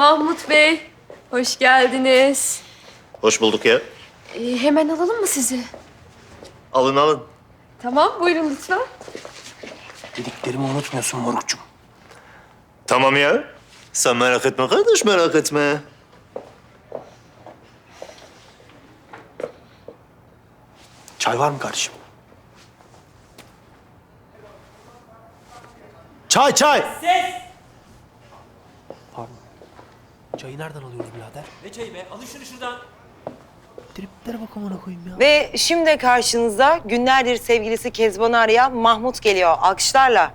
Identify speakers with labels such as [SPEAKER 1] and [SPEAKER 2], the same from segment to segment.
[SPEAKER 1] Mahmut Bey, hoş geldiniz.
[SPEAKER 2] Hoş bulduk ya.
[SPEAKER 1] Hemen alalım mı sizi?
[SPEAKER 2] Alın alın.
[SPEAKER 1] Tamam, buyurun lütfen.
[SPEAKER 3] Dediklerimi unutmuyorsun morukçum.
[SPEAKER 2] Tamam ya. Sen merak etme kardeş, merak etme.
[SPEAKER 3] Çay var mı kardeşim? Çay, çay!
[SPEAKER 4] Ses!
[SPEAKER 3] Pardon. Çayı nereden alıyoruz birader?
[SPEAKER 4] Ne çayı be? Alın şunu şuradan.
[SPEAKER 3] Triplere bak amına koyayım ya.
[SPEAKER 5] Ve şimdi karşınızda günlerdir sevgilisi Kezban'ı arayan Mahmut geliyor. Alkışlarla.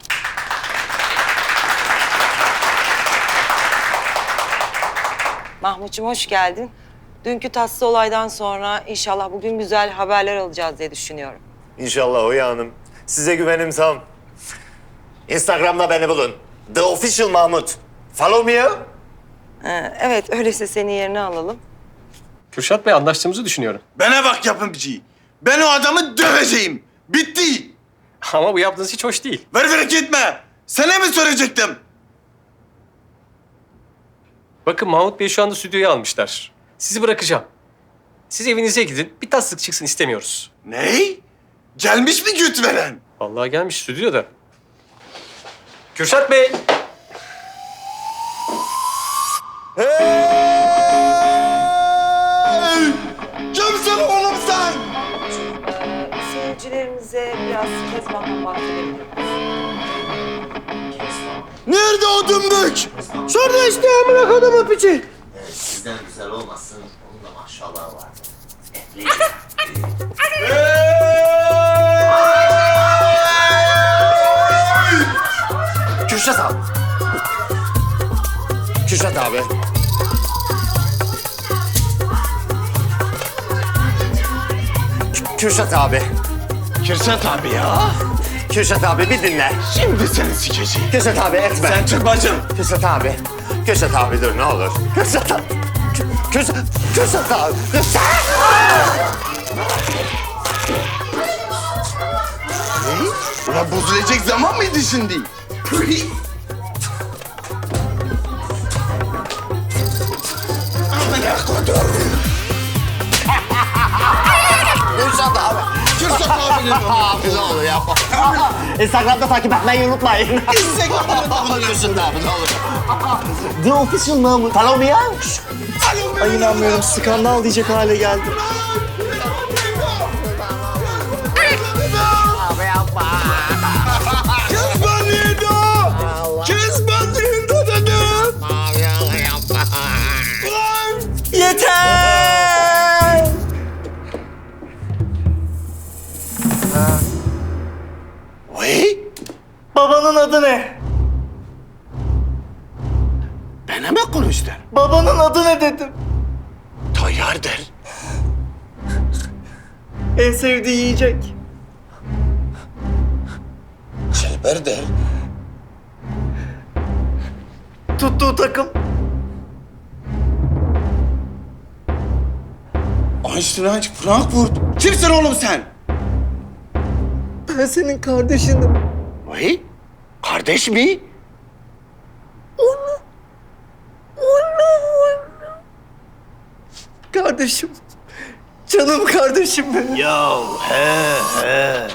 [SPEAKER 5] Mahmut'cum hoş geldin. Dünkü tatsız olaydan sonra inşallah bugün güzel haberler alacağız diye düşünüyorum.
[SPEAKER 2] İnşallah Oya Hanım. Size güvenim tam. Instagram'da beni bulun. The Official Mahmut. Follow me ya.
[SPEAKER 5] Evet, öyleyse senin yerine alalım.
[SPEAKER 6] Kürşat Bey anlaştığımızı düşünüyorum.
[SPEAKER 7] Bana bak yapımcı. Ben o adamı döveceğim. Bitti.
[SPEAKER 6] Ama bu yaptığınız hiç hoş değil.
[SPEAKER 7] Ver gitme. Sana mı soracaktım?
[SPEAKER 6] Bakın Mahmut Bey şu anda stüdyoyu almışlar. Sizi bırakacağım. Siz evinize gidin. Bir tatsızlık çıksın istemiyoruz.
[SPEAKER 7] Ne? Gelmiş mi güt veren?
[SPEAKER 6] Vallahi gelmiş stüdyoda. Kürşat Bey.
[SPEAKER 7] Hey! Kimsin oğlum sen?
[SPEAKER 5] Seyircilerimize biraz Kezban'dan bahsedelim.
[SPEAKER 7] Nerede o dümbük? Şurada işte amına kodumu piçi.
[SPEAKER 2] Sizden güzel olmasın. Onun da maşallah var. Kürşat abi. Kürşat abi. Kürşat abi.
[SPEAKER 7] Kürşat abi ya.
[SPEAKER 2] Kürşat abi bir dinle.
[SPEAKER 7] Şimdi seni sikeceğim.
[SPEAKER 2] Kürşat abi etme.
[SPEAKER 7] Sen çık bacım.
[SPEAKER 2] Kürşat abi. Kürşat abi dur ne olur. Kürşat abi. Kürşat abi. Kürşat.
[SPEAKER 7] Ne? Ulan bozulacak zaman mıydı şimdi? Püh! Amına kodum.
[SPEAKER 2] Kürşat abi.
[SPEAKER 7] Kürşat abinin
[SPEAKER 2] Abi ne olur yapma. Instagram'da takip etmeyi unutmayın. Kürşat abi ne olur. The Official Mahmut. Follow me ya.
[SPEAKER 3] Ay inanmıyorum, skandal diyecek hale geldi.
[SPEAKER 2] Abi yapma.
[SPEAKER 7] Kız banyoda! Kız banyoda dedim!
[SPEAKER 2] Abi yapma.
[SPEAKER 7] Ulan!
[SPEAKER 3] Yeter!
[SPEAKER 7] Vay!
[SPEAKER 3] Babanın adı ne?
[SPEAKER 7] Bana mı konuştun?
[SPEAKER 3] Babanın adı ne dedim.
[SPEAKER 7] Tayyardır.
[SPEAKER 3] En sevdiği yiyecek.
[SPEAKER 7] Çelberdir.
[SPEAKER 3] Tuttuğu takım.
[SPEAKER 7] Einstein Frankfurt. Kimsin oğlum sen?
[SPEAKER 3] Ben senin kardeşinim.
[SPEAKER 7] Vay! Kardeş mi?
[SPEAKER 3] Kardeşim. Canım kardeşim benim.
[SPEAKER 7] Ya he he.